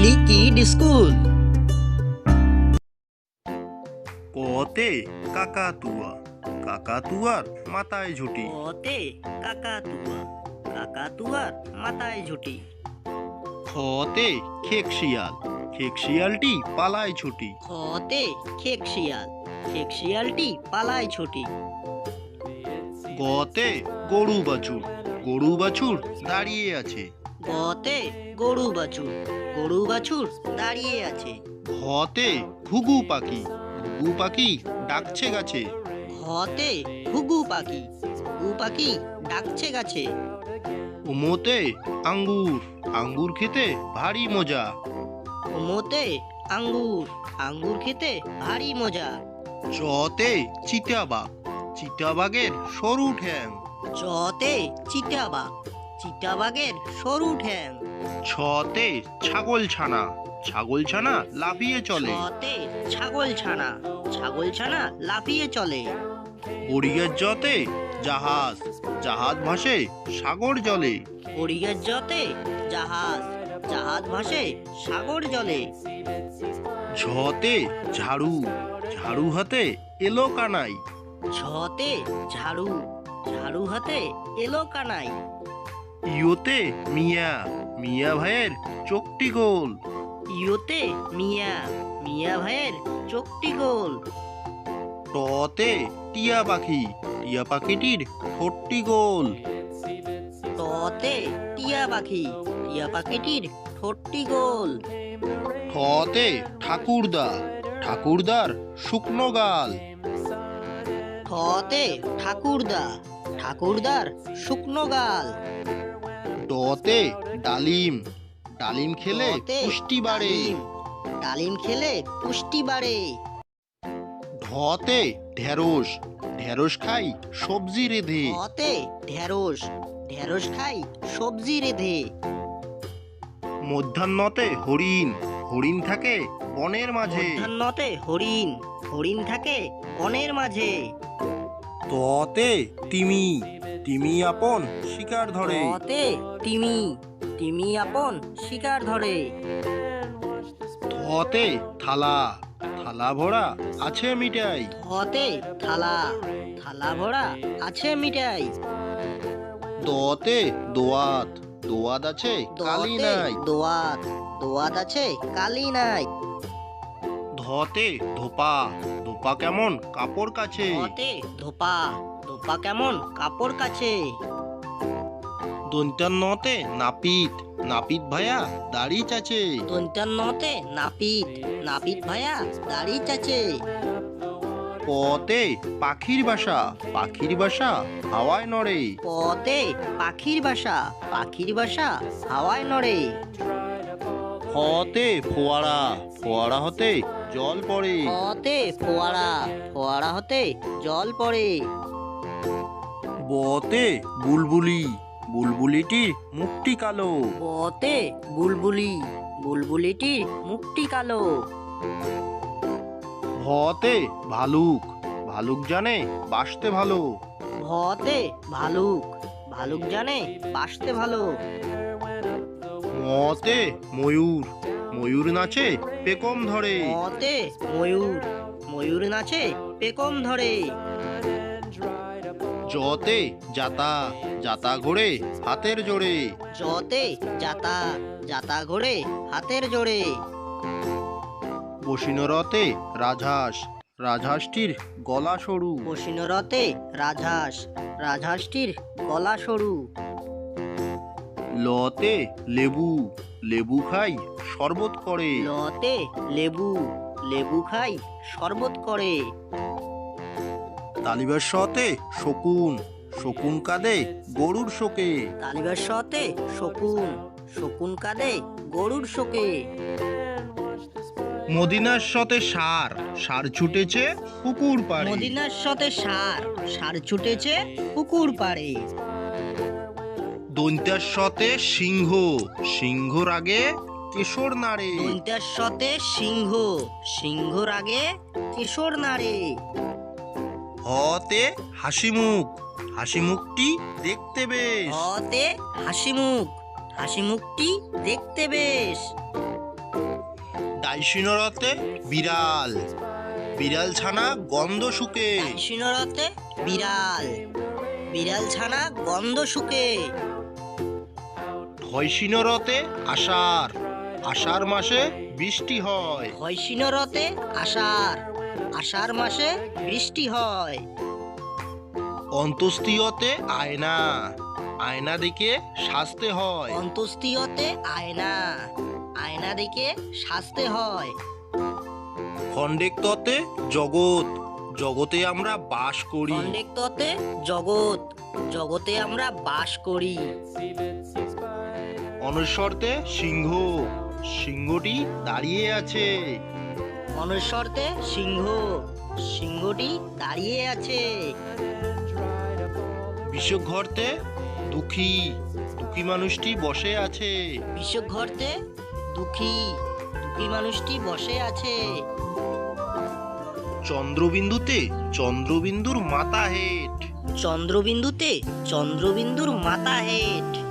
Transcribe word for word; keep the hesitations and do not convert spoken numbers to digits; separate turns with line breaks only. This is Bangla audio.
মিলি কিড স্কুল।
কতে কাকাতুয়া, কাকাতুয়ার মাথায় ঝুঁটি।
কতে কাকাতুয়া, কাকাতুয়ার মাথায় ঝুঁটি।
খতে খেক শিয়াল, খেক শিয়ালটি পালায় ছুটি।
খতে খেক শিয়াল, খেক শিয়ালটি পালায় ছুটি।
গতে গরু বাছুর, গরু বাছুর দাঁড়িয়ে আছে।
গতে গরু বাছুর, গরু বাছুর দাঁড়িয়ে আছে।
ঘতে ঘুঘু পাখি, ঘুঘু পাখি ডাকছে গাছে।
ঘতে ঘুঘু পাখি, ঘুঘু পাখি ডাকছে গাছে।
উমোতে আঙ্গুর, আঙ্গুর খেতে ভারী মজা।
ওমোতে আঙ্গুর, আঙ্গুর খেতে ভারী মজা।
চতে চিতাবাঘ, চিতাবাঘের সরু ঠ্যাং।
চতে চিতাবাঘ, চিতাবাঘের সরু ঠ্যাং।
ছতে ছাগল ছানা, ছাগল ছানা লাফিয়ে চলে।
ছতে ছাগল ছানা, ছাগল ছানা লাফিয়ে চলে।
বড়িয়ার জতে জাহাজ, জাহাজ ভাসে সাগর জলে।
হরিয়ার জতে জাহাজ, জাহাজ ভাসে সাগর জলে।
ঝতে ঝাড়ু, ঝাড়ু হাতে এলো কানাই।
ঝতে ঝাড়ু, ঝাড়ু হাতে এলো কানাই।
ইয়োতে মিয়া, মিয়া ভাইয়ের চোখটি গোল।
ইয়োতে মিয়া, মিয়া ভাইয়ের চোখটি গোল।
টতে টিয়া পাখি, টিয়া পাখিটির ঠোঁটটি গোল।
টতে টিয়া পাখি, টিয়া পাখিটির ঠোঁটটি গোল।
ঠতে ঠাকুরদা, ঠাকুরদার শুকনো গাল।
ঠতে ঠাকুরদা, ঠাকুরদার শুকনো গাল।
ডতে ডালিম, ডালিম খেলে
ডতে
পুষ্টি বাড়ে।
ডালিম, ডালিম খেলে পুষ্টি বাড়ে।
ঢতে ঢেঁড়স, ঢেঁড়স খাই সবজি রেঁধে।
ঢতে ঢেঁড়স, ঢেঁড়স খাই সবজি রেঁধে।
মধ্যাহ্নতে হরিণ, হরিণ থাকে বনের মাঝে।
মধ্যাহ্নতে হরিণ, হরিণ থাকে বনের মাঝে।
ততে তিমি, তিমি আপন শিকার ধরে।
ততে তিমি, তিমি আপন শিকার ধরে।
থতে থালা, থালা ভরা আছে মিঠাই।
থতে থালা, থালা ভরা আছে মিঠাই।
দতে দোয়াত, দোয়াত আছে কালি
দতে
নাই।
দোয়াত, দোয়াত আছে কালি নাই।
ধতে ধোপা, ধোপা কেমন কাপড় কাছে।
ধতে ধোপা, ধোপা কেমন কাপড় কাছে।
দন্তান্নতে নাপিত, নাপিত ভাইয়া দাড়ি চাচে।
দন্তান্নতে নাপিত, নাপিত ভাইয়া দাড়ি চাচে।
পতে পাখির বাসা, পাখির বাসা হাওয়ায় নড়ে।
পতে পাখির বাসা, পাখির বাসা হাওয়ায় নড়ে।
হতে ফোয়ারা, ফোয়ারা হতে জল পড়ে।
পতে ফোয়ারা, ফোয়ারা হতে জল পড়ে।
বতে বুলবুলি, বুলবুলিটির মুখটি কালো।
বতে বুলবুলি, বুলবুলিটির মুখটি কালো।
ভতে ভালুক, ভালুক জানে বাসতে ভালো।
ভতে ভালুক, ভালুক জানে বাসতে ভালো।
মতে ময়ূর, ময়ূর নাচে পেকম ধরে।
মতে ময়ূর, ময়ূর নাচে পেকম ধরে।
জতে জাতা, জাতা ঘোড়ে হাতের জোড়ে।
জতে জাতা, জাতা ঘোড়ে হাতের জোড়ে।
বসিনরতে রাজহাঁস, রাজহাঁসটির গলা সরু।
বসিনরতে রাজহাঁস, রাজহাঁসটির গলা সরু।
লতে লেবু, লেবু খাই শরবত করে।
লতে লেবু, লেবু খাই শরবত করে।
তালিবার সতে শকুন, শকুন কাঁদে গরুর শোকে।
তালিবার সতে শকুন, শকুন কাঁদে গরুর শোকে।
মদিনার সতে সার, সার ছুটেছে পুকুর পাড়ে।
মদিনার সতে সার, সার ছুটেছে পুকুর পাড়ে।
দন্তার সতে সিংহ, সিংহর আগে কেশর নাড়ে।
দন্তার সতে সিংহ, সিংহর আগে কিশোর নাড়ে।
হতে হাসি মুখ, হাসি মুখটি দেখতে বেশ।
হতে হাসি মুখ, হাসি মুখটি দেখতে বেশ।
টাইসিনরতে বিড়াল, বিড়াল ছানা গন্ধ শুকে।
টাইসিনরতে বিড়াল, বিড়াল ছানা গন্ধ শুকে।
ঢয়সিনরতে আষাঢ়, আষাঢ় মাসে বৃষ্টি হয়।
হয়সিনরতে আষাঢ়, আষাঢ় মাসে বৃষ্টি হয়।
অন্ত্যেষ্টিয়তে আয়না, আয়না দেখে সাজতে হয়।
অন্ত্যেষ্টিয়তে আয়না, আয়না দেখে সাজতে হয়।
খণ্ডেক্ততে জগৎ, জগতে আমরা বাস করি।
খণ্ডেক্ততে জগৎ, জগতে আমরা বাস করি।
অনস্বরতে সিংহ, সিংহটি দাঁড়িয়ে আছে।
অনস্বরতে সিংহ, সিংহটি দাঁড়িয়ে আছে।
বিষঘরতে দুঃখী, দুঃখী মানুষটি বসে আছে।
বিষঘরতে দুঃখী, দুঃখী মানুষটি বসে আছে।
চন্দ্রবিন্দুতে চন্দ্রবিন্দুর মাথা হেট।
চন্দ্রবিন্দুতে চন্দ্রবিন্দুর মাথা হেট।